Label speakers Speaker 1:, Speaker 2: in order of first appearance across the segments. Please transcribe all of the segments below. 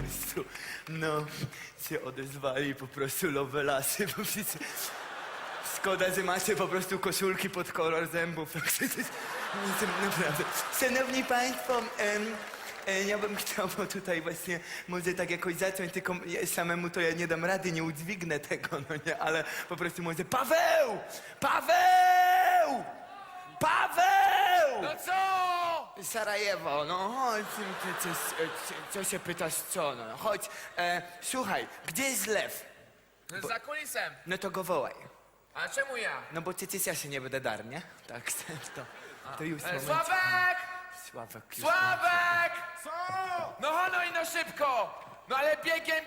Speaker 1: prostu, no, się odezwali po prostu lovelasy, bo wszyscy... Szkoda, że macie po prostu koszulki pod kolor zębów. Naprawdę. Szanowni Państwo, ja bym chciał tutaj właśnie może tak jakoś zacząć, tylko samemu to ja nie dam rady, nie udźwignę tego, no nie, ale po prostu może Paweł! Paweł! Paweł!
Speaker 2: No co?
Speaker 1: Sarajewo, no chodź, co się pytasz co, no chodź, słuchaj, gdzie jest Lew?
Speaker 2: Za kulisem.
Speaker 1: No to go wołaj.
Speaker 2: A czemu ja?
Speaker 1: No bo przecież ja się nie będę dar, nie? Tak, to już moment.
Speaker 2: Sławek!
Speaker 1: Sławek! już
Speaker 2: Sławek!
Speaker 3: Co?
Speaker 2: No hono i no szybko! No ale biegiem.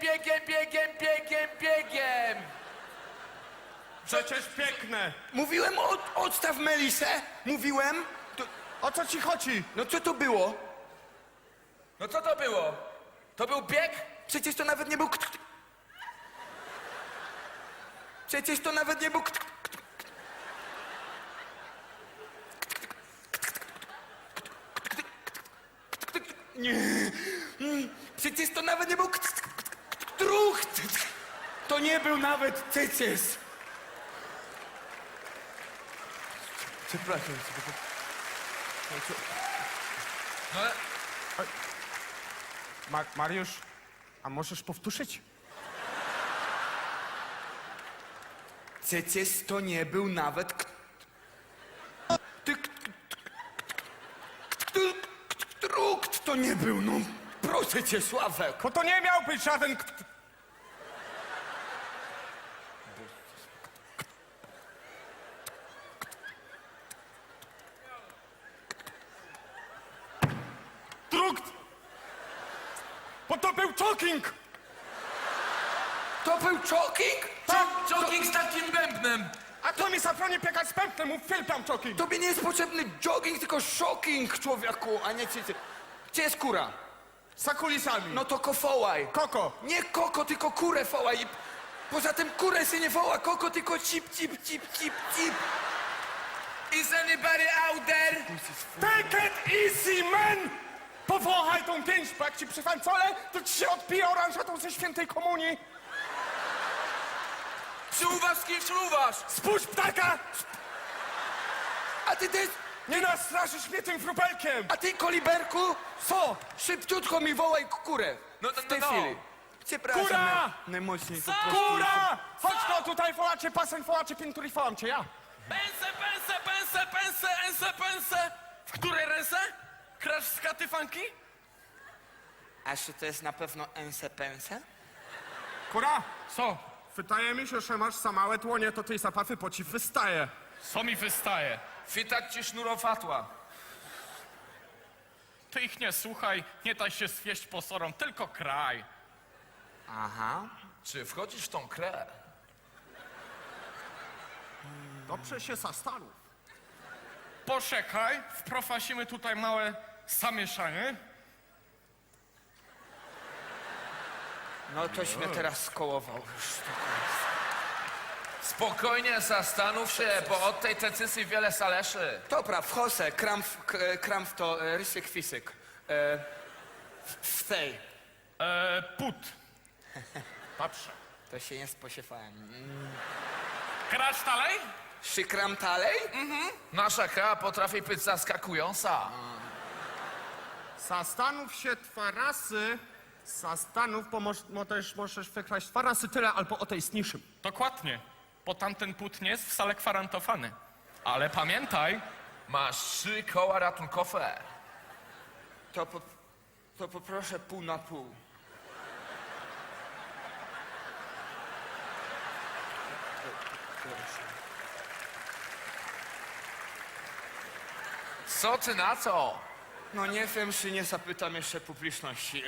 Speaker 3: Przecież piękne.
Speaker 1: Mówiłem, odstaw Melisę! Mówiłem!
Speaker 3: O co ci chodzi?
Speaker 1: No co to było?
Speaker 2: No co to było? To był bieg?
Speaker 1: Przecież to nawet nie był... Przecież to nawet nie był... Nie. Przecież to nawet nie był... Trucht! To nie był nawet cycys! Przepraszam.
Speaker 2: No ale...
Speaker 3: Mariusz, a możesz powtórzyć?
Speaker 1: Przecież to nie był nawet... Trukt to nie był, no. Proszę cię, Sławek.
Speaker 3: Bo to nie miał być żaden... Drukt! Bo to był choking!
Speaker 1: To był choking?
Speaker 2: Tak, jogging z takim bębnem.
Speaker 3: A to mi zabroni biegać z pępnem, mów filpam choking!
Speaker 1: Tobie nie jest potrzebny jogging, tylko shocking, człowieku, a nie cycy. Gdzie jest kura?
Speaker 3: Za kulisami.
Speaker 1: No to kofołaj.
Speaker 3: Koko!
Speaker 1: Nie koko, tylko kurę wołaj. I poza tym kurę się nie woła koko, tylko cip.
Speaker 2: Is anybody out there?
Speaker 3: Take it easy, man! Powąchaj tą pięść, bo jak ci przyfancolę, to ci się odbije oranżatą ze świętej komunii.
Speaker 2: Przyuważ z kim przyuważ?
Speaker 3: Spuść ptaka!
Speaker 1: A ty też...
Speaker 3: Nie nastraszysz mnie tym wróbelkiem!
Speaker 1: A ty, koliberku,
Speaker 3: Co?
Speaker 1: szybciutko mi wołaj kurę.
Speaker 2: No,
Speaker 1: W tej
Speaker 2: no.
Speaker 1: chwili. Przepraszam.
Speaker 3: Kura!
Speaker 1: Najmocniej po prostu.
Speaker 3: Kura! Chodź no tutaj, wołacie pasen, wołacie pinturi, wołam cię ja.
Speaker 4: Pense. W której ręce? Krasz z katy funky?
Speaker 1: A czy to jest na pewno pense?
Speaker 3: Kura,
Speaker 4: Co?
Speaker 3: wydaje mi się, że masz za małe dłonie, to tej zapachy po ci wystaje.
Speaker 4: Co mi wystaje?
Speaker 2: Fitać ci sznurofatła.
Speaker 4: Ty ich nie słuchaj, nie daj się swieść posorom, tylko kraj.
Speaker 1: Aha.
Speaker 2: Czy wchodzisz w tą krę?
Speaker 3: Dobrze się zastanów.
Speaker 4: Poczekaj, wprowadzimy tutaj małe zamieszanie.
Speaker 1: No toś mnie teraz skołował już.
Speaker 2: Spokojnie, zastanów się, bo od tej decyzji wiele zależy.
Speaker 1: Dobra, wchosę, kram w to, rysyk fisyk. W tej.
Speaker 4: Put. Patrzę.
Speaker 1: To się nie spodziewałem.
Speaker 4: Krasz dalej?
Speaker 1: Szykram dalej?
Speaker 2: Nasza kra potrafi być zaskakująca.
Speaker 3: Zastanów się dwa razy. Zastanów, bo też możesz wykraść dwa razy tyle, albo o tej zniższym.
Speaker 4: Dokładnie, bo tamten put nie jest wcale gwarantowany. Ale pamiętaj,
Speaker 2: Masz 3 koła ratunkowe.
Speaker 1: To poproszę pół na pół.
Speaker 2: Co ty na to?
Speaker 1: No nie wiem, czy nie zapytam jeszcze publiczności.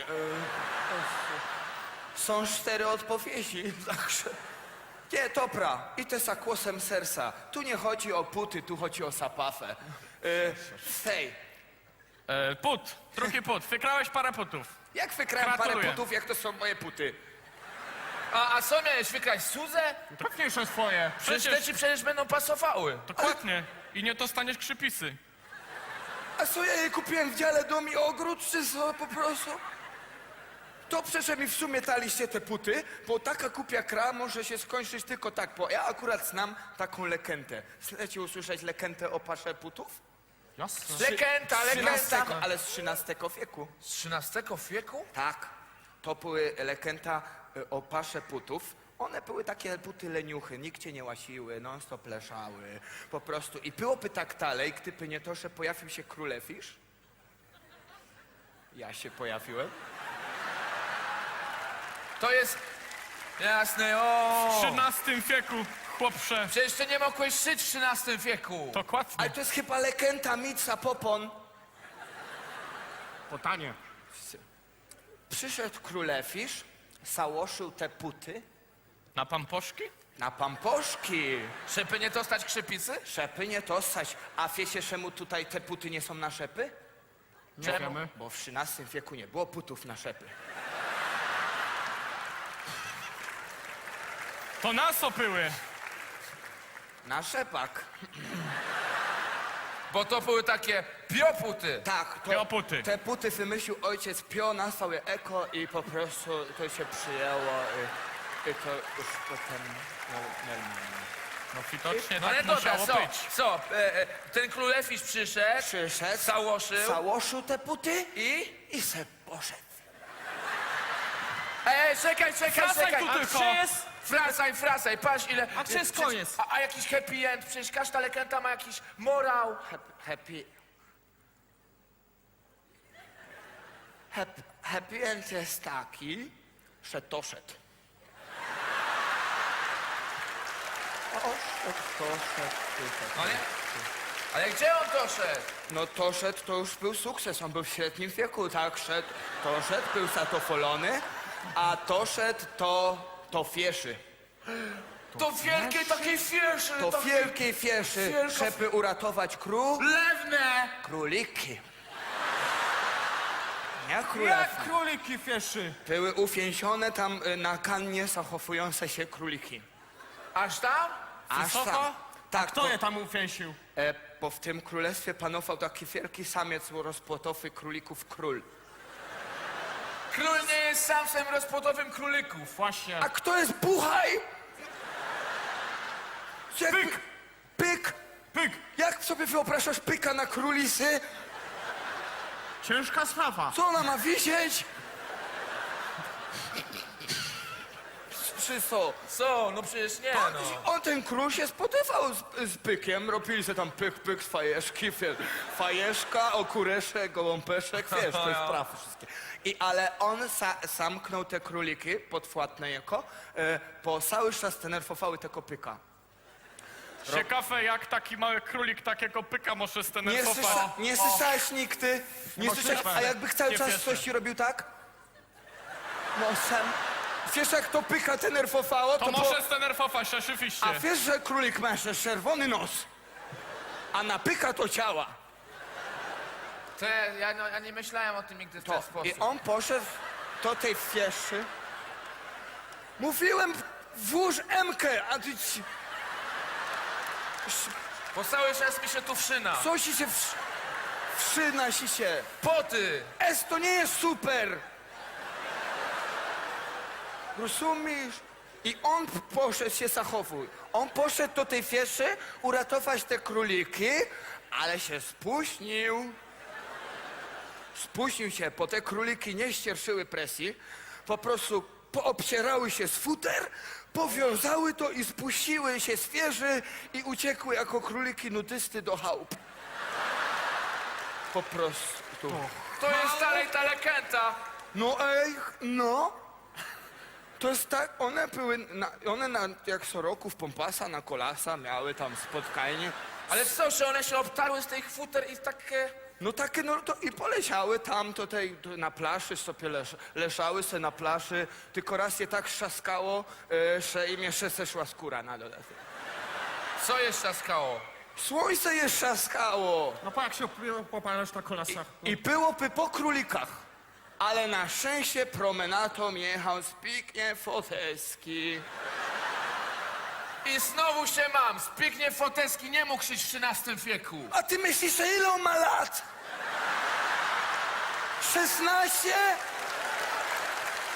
Speaker 1: Są 4 odpowiedzi, także... Nie, dobra, i to za głosem serca. Tu nie chodzi o puty, tu chodzi o zapafę. Fej,
Speaker 4: put, drugi put, wygrałeś parę putów.
Speaker 1: jak wykrałem parę
Speaker 4: Gratuluję.
Speaker 1: putów, jak to są moje puty?
Speaker 2: A co miałeś wykraść Suzę?
Speaker 3: Pewnie, że swoje.
Speaker 2: Przecież te ci przecież będą pasowały.
Speaker 4: Dokładnie, i nie dostaniesz krzypisy.
Speaker 1: A co ja je kupiłem w dziale dom i ogród, czy co po prostu? dobrze, że mi w sumie daliście te puty, bo taka kupia kra może się skończyć tylko tak, bo ja akurat znam taką legendę. Chcecie usłyszeć legendę o parze putów?
Speaker 4: Jasne.
Speaker 2: Legenda.
Speaker 1: Ale z XIII wieku.
Speaker 2: Z XIII wieku?
Speaker 1: Tak, to były legenda o pasze putów. One były takie buty leniuchy, nikt cię nie łasiły, non stop leżały, po prostu. I byłoby tak dalej, gdyby nie to, że pojawił się królefisz. Ja się pojawiłem.
Speaker 2: To jest... Jasne,
Speaker 4: W
Speaker 2: o.
Speaker 4: XIII wieku, chłopcze.
Speaker 2: Przecież ty nie mogłeś żyć w XIII wieku.
Speaker 4: Dokładnie.
Speaker 1: Ale to jest chyba legenda Mica Popon.
Speaker 3: Potanie.
Speaker 1: Przyszedł królefisz, załoszył te puty
Speaker 4: Na pamposzki?
Speaker 1: na pamposzki.
Speaker 2: Żeby nie dostać krzypicy?
Speaker 1: Szepy nie to stać. A wiecie, czemu tutaj te puty nie są na szepy?
Speaker 3: Nie wiemy.
Speaker 1: Bo w XIII wieku nie było putów na szepy.
Speaker 4: To nas opyły.
Speaker 1: Na szepach.
Speaker 2: Bo to były takie pioputy.
Speaker 1: Tak,
Speaker 4: Pioputy.
Speaker 1: te puty wymyślił ojciec Pio, nazwał je eko i po prostu to się przyjęło i to już potem normalnie.
Speaker 4: No widocznie
Speaker 2: No ale
Speaker 4: tak
Speaker 2: dobra,
Speaker 4: musiało być.
Speaker 2: ten królefisz przyszedł,
Speaker 1: Przyszedł,
Speaker 2: załoszył
Speaker 1: te puty
Speaker 2: i...
Speaker 1: i se poszedł.
Speaker 2: Czekaj.
Speaker 4: Wracaj tu tylko.
Speaker 2: Frasaj, patrz ile...
Speaker 3: A gdzie jest
Speaker 2: przecież-
Speaker 3: koniec?
Speaker 2: A jakiś happy end, przecież każda legenda ma jakiś morał.
Speaker 1: Happy end jest taki, że doszedł.
Speaker 2: Ale gdzie on doszedł?
Speaker 1: No doszedł, to już był sukces, on był w średnim wieku, tak, doszedł, był zadowolony, a doszedł to fieszy.
Speaker 2: Do wielkiej takiej fieszy.
Speaker 1: To
Speaker 2: takiej-
Speaker 1: wielkiej fieszy,
Speaker 2: wielka-
Speaker 1: żeby uratować
Speaker 2: Lewne!
Speaker 1: króliki. Nie
Speaker 3: Jak
Speaker 1: królewne.
Speaker 3: króliki fieszy.
Speaker 1: Były uwięzione tam na kannie zachowujące się króliki.
Speaker 2: Aż tam?
Speaker 1: Aż
Speaker 3: Wysoko?
Speaker 1: tam. Tak,
Speaker 3: Kto je tam uwięził?
Speaker 1: bo w tym królestwie panował taki wielki samiec rozpłotowy królików król.
Speaker 2: Król nie jest samcem rozpłodowym królików.
Speaker 3: Właśnie.
Speaker 1: A kto jest Buchaj?
Speaker 3: Pyk.
Speaker 1: Pyk!
Speaker 3: Pyk.
Speaker 1: Jak sobie wyobrażasz pyka na królisy?
Speaker 3: Ciężka sprawa.
Speaker 1: Co ona ma wisieć? Czy co?
Speaker 2: Co? No przecież nie, no.
Speaker 1: On ten król się spotywał z pykiem, robili się tam pyk z fajeszki, wiesz, fajeszka, okureszek, gołąpeszek, wiesz, te sprawy wszystkie. Ale on zamknął te króliki podwładne jako, bo cały czas denerwowały tego pyka.
Speaker 4: Ciekawe, jak taki mały królik takiego pyka może zdenerwować.
Speaker 1: Nie słyszałeś nigdy? Nie słyszałeś, a jakby cały
Speaker 4: Nie
Speaker 1: czas
Speaker 4: wierzę.
Speaker 1: coś ci robił tak? Nosem. Wiesz, jak to pyka denerwowało?
Speaker 4: To może zdenerwować, rzeczywiście.
Speaker 1: A wiesz, że królik ma jeszcze czerwony nos, a na pyka to ciała.
Speaker 2: To ja nie myślałem o tym nigdy w ten sposób.
Speaker 1: I on poszedł do tej fieszy. Mówiłem, włóż Emkę, a ty ci...
Speaker 2: Bo cały czas mi się tu wszyna.
Speaker 1: Co ci się wszyna ci się?
Speaker 2: Poty!
Speaker 1: To nie jest super. Rozumiesz? I on poszedł się zachowuj. On poszedł do tej fieszy uratować te króliki, ale się spóźnił. Spóźnił się, bo te króliki nie ścierszyły presji. Po prostu poobcierały się z futer, powiązały to i spuściły się z wieży i uciekły jako króliki nudysty do chałup. Po prostu.
Speaker 2: To jest dalej ta legenda.
Speaker 1: No. To jest tak, one były, jak co roku w Pompasa na Kolasa miały tam spotkanie.
Speaker 2: Ale co, że one się obtarły z tych futer i takie...
Speaker 1: No takie, no to i poleciały tam tutaj na plaży, sobie leżały se na plaży, tylko raz je tak trzaskało, że im jeszcze zeszła skóra na dodatek.
Speaker 2: Co jest trzaskało?
Speaker 1: Słońce je trzaskało
Speaker 3: No po jak się popalasz na kolasach.
Speaker 1: i byłoby po królikach, ale na szczęście promenatą jechał Zbigniew Foteski.
Speaker 2: I znowu się mam. Zbigniew Foteski nie mógł żyć w XIII wieku.
Speaker 1: A ty myślisz, że ile on ma lat? 16?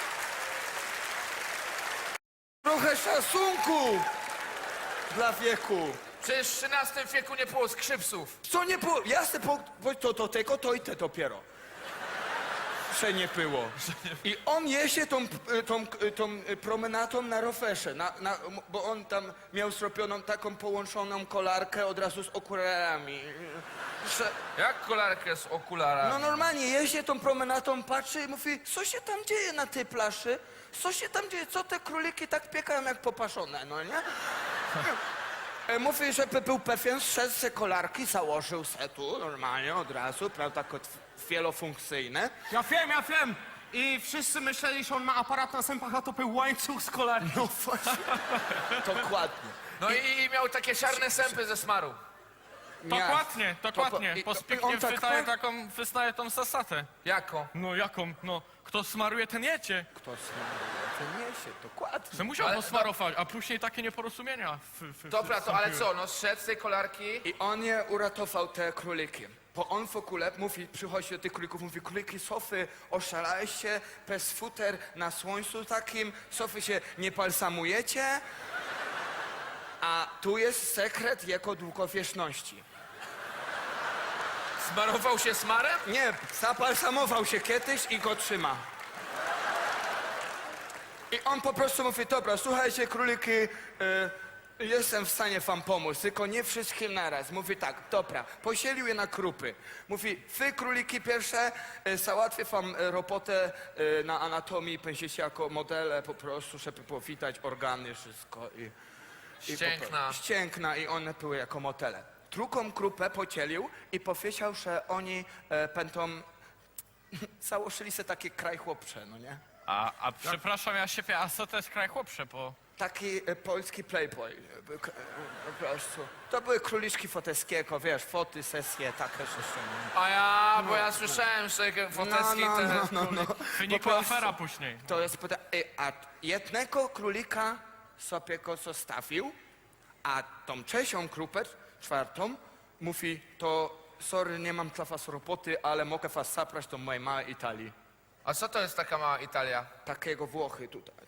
Speaker 1: trochę szacunku dla wieku.
Speaker 2: Przecież w XIII wieku nie było skrzypców.
Speaker 1: Co nie było? Jasne, to tego, to i te dopiero. Że nie było. I on jeździ tą promenatą na rowerze, bo on tam miał zrobioną taką połączoną kolarkę od razu z okularami. Że,
Speaker 2: Jak kolarkę z okularami?
Speaker 1: no normalnie jeździ tą promenatą, patrzy i mówi, co się tam dzieje na tej plaży? Co się tam dzieje? Co te króliki tak piekają jak popaszone, no nie? Mówi, żeby był pewien, zszedł se kolarki, założył se tu normalnie od razu, prawda, wielofunkcyjne.
Speaker 3: Ja wiem. I wszyscy myśleli, że on ma aparat na zębach, a to był łańcuch z kolarki.
Speaker 1: No właśnie, dokładnie.
Speaker 2: No i miał takie czarne sępy ze smaru.
Speaker 4: Dokładnie. Po
Speaker 1: on
Speaker 4: Zbigniew
Speaker 1: tak
Speaker 4: wyznaje tą zasadę.
Speaker 2: Jako?
Speaker 4: No jaką? No, kto smaruje, ten jecie.
Speaker 1: Kto smaruje, ten niesie, dokładnie.
Speaker 4: Że musiał
Speaker 2: Ale-
Speaker 4: posmarować, a później takie nieporozumienia.
Speaker 2: Dobra, to ale co, no zszedł z tej kolarki?
Speaker 1: I on je uratował te króliki. Bo on w ogóle mówi, przychodzi do tych królików, mówi, króliki, sofy, oszalaliście, bez futer, na słońcu takim, sofy się nie balsamujecie, a tu jest sekret jego długowieczności.
Speaker 2: Smarował się smarem?
Speaker 1: Nie, zabalsamował się kiedyś i go trzyma. I on po prostu mówi, dobra, słuchajcie, króliki, jestem w stanie wam pomóc, tylko nie wszystkim naraz. Mówi tak, dobra, posielił je na grupy. Mówi, wy króliki pierwsze, załatwię wam robotę na anatomii, będziecie jako modele po prostu, żeby było widać organy, wszystko.
Speaker 2: Ścięgna.
Speaker 1: Ścięgna i one były jako modele. Drugą grupę podzielił i powiedział, że oni będą... Założyli sobie takie kraj chłopcze, no nie?
Speaker 4: A przepraszam, ja się a co to jest kraj chłopcze, bo...
Speaker 1: Taki polski playboy, po prostu. To były króliczki Foteskiego, wiesz, foty, sesje, takie rzeczy.
Speaker 2: Bo ja słyszałem, że Foteski
Speaker 4: Wynikła
Speaker 1: prostu.
Speaker 4: afera później.
Speaker 1: To jest... A jednego królika sobie go zostawił, a tą trzecią grupę, czwartą, mówi, to sorry, nie mam dla was roboty, ale mogę was zabrać do mojej małej Italii.
Speaker 2: A co to jest taka mała Italia?
Speaker 1: Takiego Włochy tutaj.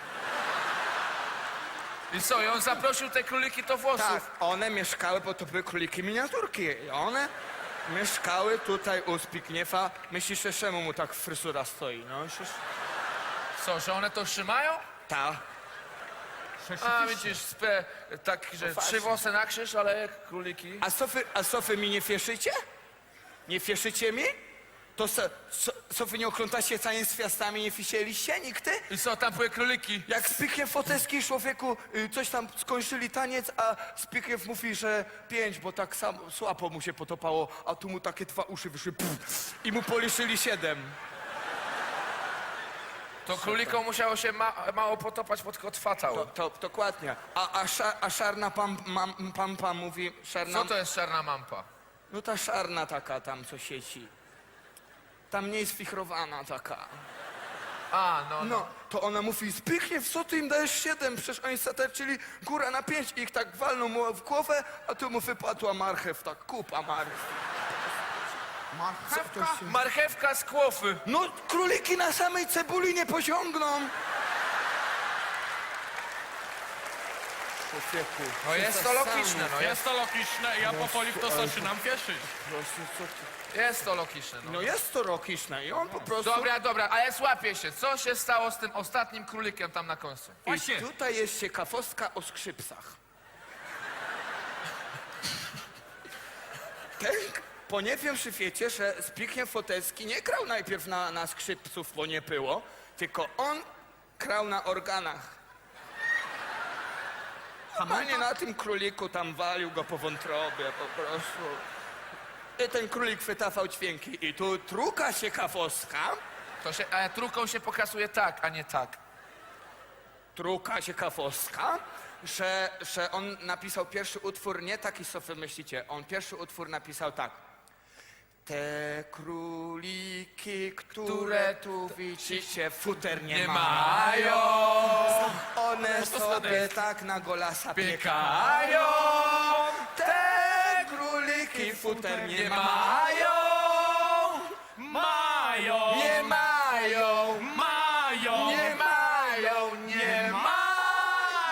Speaker 2: I co, i on zaprosił te króliki do włosów?
Speaker 1: Tak, one mieszkały, bo to były króliki miniaturki. I one mieszkały tutaj u Zbigniewa. Myślisz, że czemu mu tak fryzura stoi? No, myślisz?
Speaker 2: Co, że one to trzymają?
Speaker 1: Ta.
Speaker 2: A widzisz, tak, że
Speaker 1: właśnie.
Speaker 2: 3 włosy na krzyż, ale jak króliki.
Speaker 1: A co wy mi nie fieszycie? Nie fieszycie mi? To co wy nie oglądacie całym zwiastami, nie fisieliście nigdy?
Speaker 2: I co, tam były króliki?
Speaker 1: Jak Zbigniew Foteski człowieku coś tam skończyli taniec, a Zbigniew mówi, że 5, bo tak samo słabo mu się potopało, a tu mu takie 2 uszy wyszły i mu policzyli 7.
Speaker 2: To królikom musiało się mało potopać pod kotwatał.
Speaker 1: To dokładnie. A szarna pampa mówi, szarna...
Speaker 2: Co to jest czarna mampa?
Speaker 1: No ta szarna taka tam, co sieci. Tam nie jest wichrowana taka. No, to ona mówi, Zbigniew, co ty im dajesz 7? Przecież oni zatarczyli góra na 5 i ich tak walną mu w głowę, a tu mu wypadła marchew, tak kupa marchew.
Speaker 3: Marchewka?
Speaker 2: Marchewka z kłofy.
Speaker 1: No, króliki na samej cebuli nie posiągną. Człowieku,
Speaker 2: No jest to logiczne, no
Speaker 4: Jest to logiczne i ja powoli w to zaczynam wierzyć.
Speaker 2: jest to logiczne, no.
Speaker 1: No jest to logiczne i on po prostu...
Speaker 2: Dobra, ale złapię się. Co się stało z tym ostatnim królikiem tam na końcu?
Speaker 1: I tutaj jest ciekawostka o skrzypcach. Bo nie wiem, czy wiecie, że Zbigniew Foteski nie grał najpierw na skrzypców, bo nie było, tylko on grał na organach. Panie na tym króliku tam walił go po wątrobie po prostu. I ten królik wydawał dźwięki. I tu druga ciekawostka.
Speaker 2: Ale truką się pokazuje tak, a nie tak.
Speaker 1: Druga ciekawostka, że on napisał pierwszy utwór nie taki, co wy myślicie. On pierwszy utwór napisał tak. Te króliki, które tu widzicie, futer nie mają. One sobie tak na golasa piekają. Te króliki futer nie mają.
Speaker 4: Mają!
Speaker 1: Nie mają.
Speaker 4: Mają!
Speaker 1: Nie mają. Nie mają.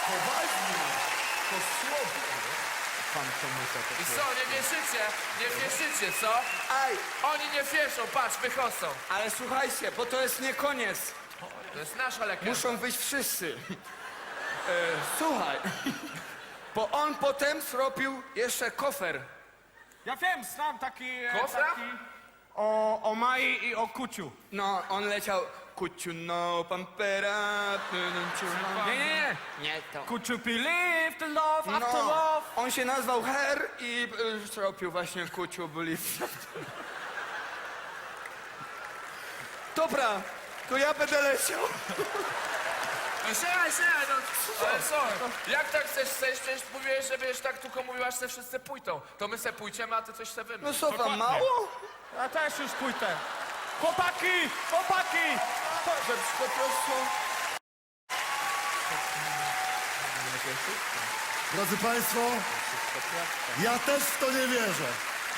Speaker 5: Poważnie. To słowo.
Speaker 1: Pan komusa to
Speaker 2: I co, nie wierzycie? Nie wierzycie, co?
Speaker 1: Aj,
Speaker 2: Oni nie wierzą, patrz, wychodzą.
Speaker 1: ale słuchajcie, bo to jest nie koniec.
Speaker 2: To jest nasza legenda.
Speaker 1: Muszą wyjść wszyscy. Słuchaj, bo on potem zrobił jeszcze kofer.
Speaker 3: Ja wiem, znam taki...
Speaker 2: Kofra?
Speaker 3: taki o Mai i o Kuciu.
Speaker 1: No, on leciał kuciu no pampera.
Speaker 3: Nie.
Speaker 1: Nie to.
Speaker 3: Could you believe the love after
Speaker 1: No,
Speaker 3: love?
Speaker 1: on się nazwał Her i zrobił właśnie kuciu byli. Dobra, to ja będę leciał.
Speaker 2: No siadaj, no. Ale co? Jak tak chcesz zejść? Przecież mówiłeś, że będziesz tak tylko mówił, aż se wszyscy pójdą. To my se pójdziemy, a ty coś se
Speaker 1: No
Speaker 2: wymyśl.
Speaker 1: co wam mało?
Speaker 3: Ja też już pójdę. Chłopaki! Chłopaki!
Speaker 1: Po prostu...
Speaker 5: Drodzy Państwo, ja też w to nie wierzę.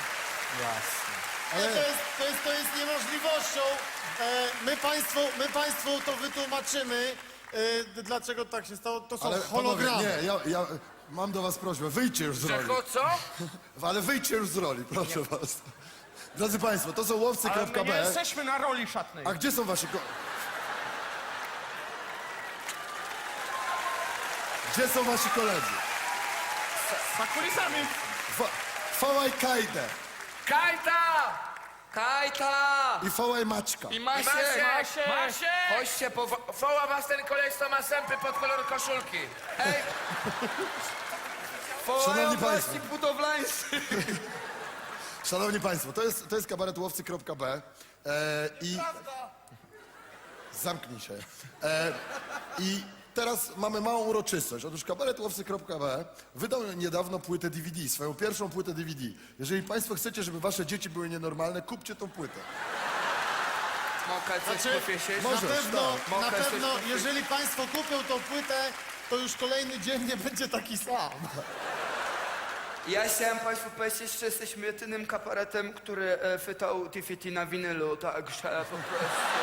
Speaker 6: Ale to jest niemożliwością. My państwu to wytłumaczymy, dlaczego tak się stało. To są
Speaker 5: Ale
Speaker 6: hologramy.
Speaker 5: panowie, nie, ja mam do was prośbę, wyjdźcie już z roli.
Speaker 2: Czego, co?
Speaker 5: Ale wyjdźcie już z roli, proszę was. Drodzy Państwo, to są
Speaker 3: Ale my nie
Speaker 5: łowcy.b.
Speaker 3: jesteśmy na roli szatnej.
Speaker 5: A gdzie są wasi Gdzie są wasi koledzy?
Speaker 3: Za kulisami.
Speaker 5: Fałaj Kajdę
Speaker 2: Kajta!
Speaker 1: Kajta!
Speaker 5: i Fałaj Maćka.
Speaker 1: I Masiek!
Speaker 2: Masie!
Speaker 1: Chodźcie po...
Speaker 2: Woła was ten koleś, co ma sępy pod kolor koszulki.
Speaker 1: Ej! Wołają
Speaker 5: Szanowni
Speaker 1: was
Speaker 5: państwo.
Speaker 1: ci budowlańcy.
Speaker 5: Szanowni Państwo, to jest kabaret łowcy.b i... Zamknij się. I teraz mamy małą uroczystość. Otóż kabaret łowcy.b wydał niedawno płytę DVD, swoją pierwszą płytę DVD. Jeżeli Państwo chcecie, żeby Wasze dzieci były nienormalne, kupcie tą płytę.
Speaker 1: Mogę coś
Speaker 6: Znaczy,
Speaker 1: powiedzieć?
Speaker 5: Możesz,
Speaker 6: Na
Speaker 1: Mogę coś
Speaker 6: pewno,
Speaker 1: powiedzieć?
Speaker 6: jeżeli państwo kupią tą płytę, to już kolejny dzień nie będzie taki sam.
Speaker 1: Ja chciałem Państwu powiedzieć, że jesteśmy jedynym kabaretem, który wydał DVD na winylu, także po prostu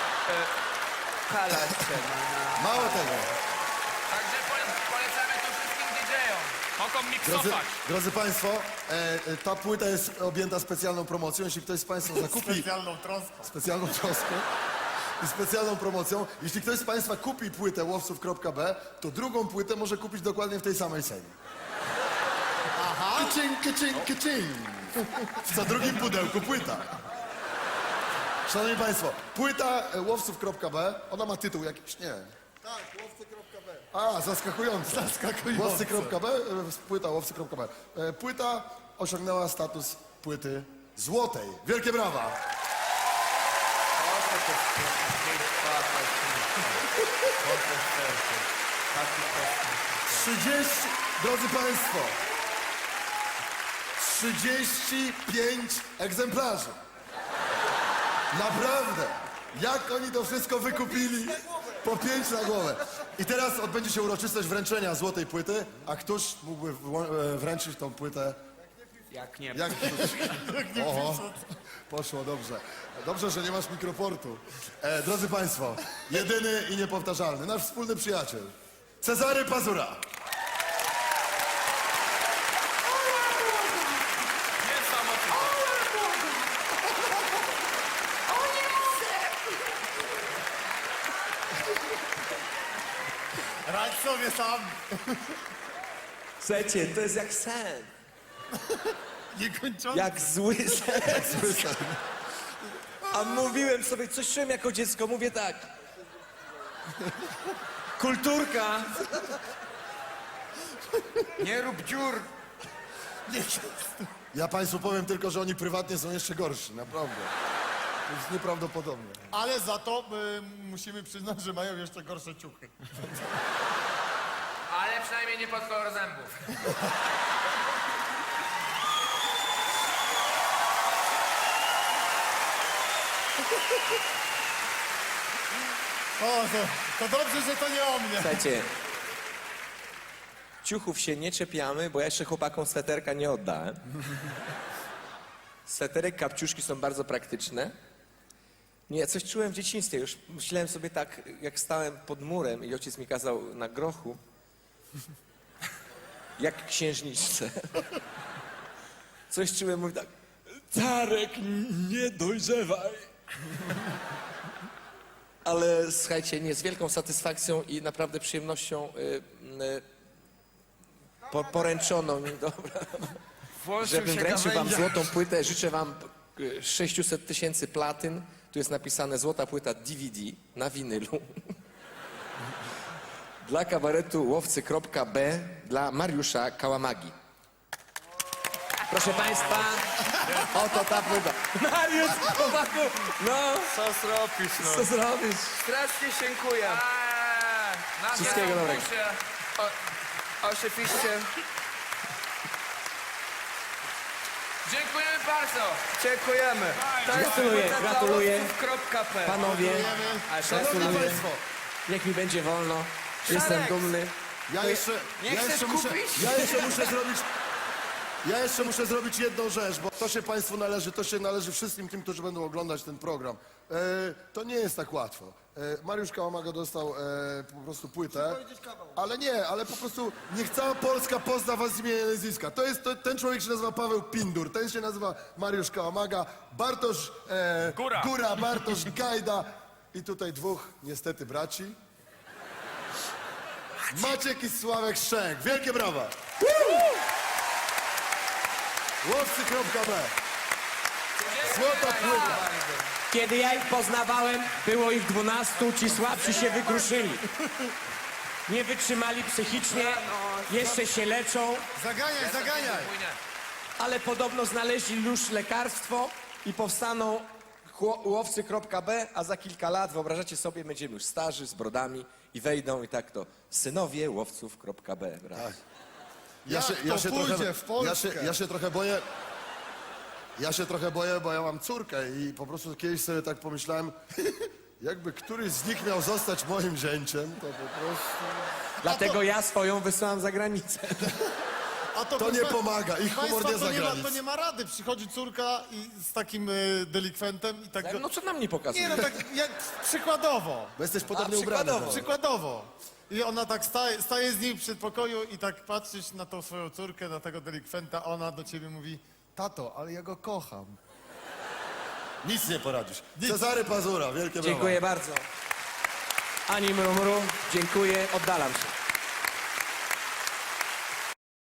Speaker 1: kalać się
Speaker 5: Mało tego.
Speaker 2: Także polecamy to wszystkim DJ-om.
Speaker 4: Mogą miksować.
Speaker 5: Drodzy Państwo, ta płyta jest objęta specjalną promocją. Jeśli ktoś z Państwa zakupi...
Speaker 6: Specjalną troską.
Speaker 5: Specjalną troską i specjalną promocją. Jeśli ktoś z Państwa kupi płytę łowców.b, to drugą płytę może kupić dokładnie w tej samej cenie. Aha. Kycing, kycing, kycing. W co drugim pudełku płyta. Szanowni Państwo, płyta łowców.b, ona ma tytuł jakiś? Nie.
Speaker 6: Tak, łowcy.b.
Speaker 5: A, zaskakujące. Łowcy.b, płyta łowcy.b. Płyta osiągnęła status płyty złotej. Wielkie brawa. 30, drodzy Państwo, 35 egzemplarzy. Naprawdę. Jak oni to wszystko wykupili? Po 5 na głowę. I teraz odbędzie się uroczystość wręczenia złotej płyty, a któż mógłby wręczyć tą płytę?
Speaker 1: Jak nie.
Speaker 5: Jak... Oho, poszło dobrze. Dobrze, że nie masz mikroportu. Drodzy Państwo, jedyny i niepowtarzalny, nasz wspólny przyjaciel, Cezary Pazura.
Speaker 4: Niesamowite.
Speaker 6: Radź sobie sam.
Speaker 7: Słuchajcie, to jest jak sen.
Speaker 6: Niekończący.
Speaker 7: Jak zły sen. A mówiłem sobie, coś czułem jako dziecko, mówię tak. Kulturka.
Speaker 1: Nie rób dziur.
Speaker 5: Ja Państwu powiem tylko, że oni prywatnie są jeszcze gorsi, naprawdę. To jest nieprawdopodobne.
Speaker 6: Ale za to musimy przyznać, że mają jeszcze gorsze ciuchy.
Speaker 2: Ale przynajmniej nie pod kolor zębów.
Speaker 6: O, to dobrze, że to nie o mnie.
Speaker 7: Słuchajcie, ciuchów się nie czepiamy, bo ja jeszcze chłopakom sweterka nie oddałem. Sweterek, kapciuszki są bardzo praktyczne. Nie, coś czułem w dzieciństwie. Już myślałem sobie tak, jak stałem pod murem i ojciec mi kazał na grochu Jak księżniczce. Coś czułem, mówi tak, Czarek, nie dojrzewaj. Ale słuchajcie, nie, z wielką satysfakcją i naprawdę przyjemnością poręczono mi, dobra,
Speaker 1: Włączył
Speaker 7: żebym
Speaker 1: się
Speaker 7: wręczył wam
Speaker 1: gawędzia.
Speaker 7: złotą płynę. Życzę wam 600 tysięcy platyn. Tu jest napisane złota płyta DVD na winylu. Dla kabaretu łowcy.b dla Mariusza Kałamagi. Proszę państwa, oto ta płyta. Mariusz, chłopaku, no,
Speaker 1: Co zrobisz, no?
Speaker 7: co zrobisz?
Speaker 1: Strasznie dziękuję.
Speaker 2: Na
Speaker 7: Wszystkiego dobrego.
Speaker 1: Oczywiście.
Speaker 2: Dziękujemy bardzo.
Speaker 1: Dziękujemy. To jest
Speaker 7: Gratuluję,
Speaker 1: płyta dla
Speaker 7: gratuluję.
Speaker 1: łowców.p.
Speaker 7: Panowie,
Speaker 5: Szanowni
Speaker 7: gratuluję.
Speaker 5: Państwo,
Speaker 7: Niech mi będzie wolno. Jestem dumny.
Speaker 5: ja jeszcze,
Speaker 1: nie chcesz kupić?
Speaker 5: Ja jeszcze muszę zrobić jedną rzecz, bo to się Państwu należy, to się należy wszystkim tym, którzy będą oglądać ten program. To nie jest tak łatwo. Mariusz Kałamaga dostał po prostu płytę, ale po prostu niech cała Polska pozna was z imienia i nazwiska. Ten człowiek się nazywa Paweł Pindur, ten się nazywa Mariusz Kałamaga, Bartosz Góra, Bartosz Gajda i tutaj dwóch niestety braci. Maciek i Sławek Szczęk. Wielkie brawa! Łowcy.b. Złota płyta.
Speaker 8: Kiedy ja ich poznawałem, było ich 12, ci słabsi się wykruszyli. Nie wytrzymali psychicznie, jeszcze się leczą,
Speaker 6: Zaganiaj!
Speaker 8: ale podobno znaleźli już lekarstwo
Speaker 7: I powstaną łowcy.b, a za kilka lat, wyobrażacie sobie, będziemy już starzy, z brodami i wejdą i tak to synowie łowców.b. brawo.
Speaker 5: Ja się trochę boję. Ja się trochę boję, bo ja mam córkę i po prostu kiedyś sobie tak pomyślałem, jakby któryś z nich miał zostać moim zięciem, to po prostu...
Speaker 8: Dlatego ja swoją wysłałam za granicę.
Speaker 6: A
Speaker 5: To nie pomaga, ich humor
Speaker 6: Państwa,
Speaker 5: nie za granic.
Speaker 6: to nie ma rady. Przychodzi córka i z takim delikwentem i tak...
Speaker 7: No co nam nie pokazuje?
Speaker 6: Nie, no tak jak przykładowo.
Speaker 5: Bo jesteś podobnie ubrany.
Speaker 7: przykładowo.
Speaker 6: Przykładowo. I ona tak staje z nim w przedpokoju i tak patrzysz na tą swoją córkę, na tego delikwenta, a ona do ciebie mówi: tato, ale ja go kocham.
Speaker 5: Nic nie poradzisz. Cezary Pazura, wielkie brawa.
Speaker 8: Dziękuję bardzo. Ani mrumru, dziękuję, oddalam się.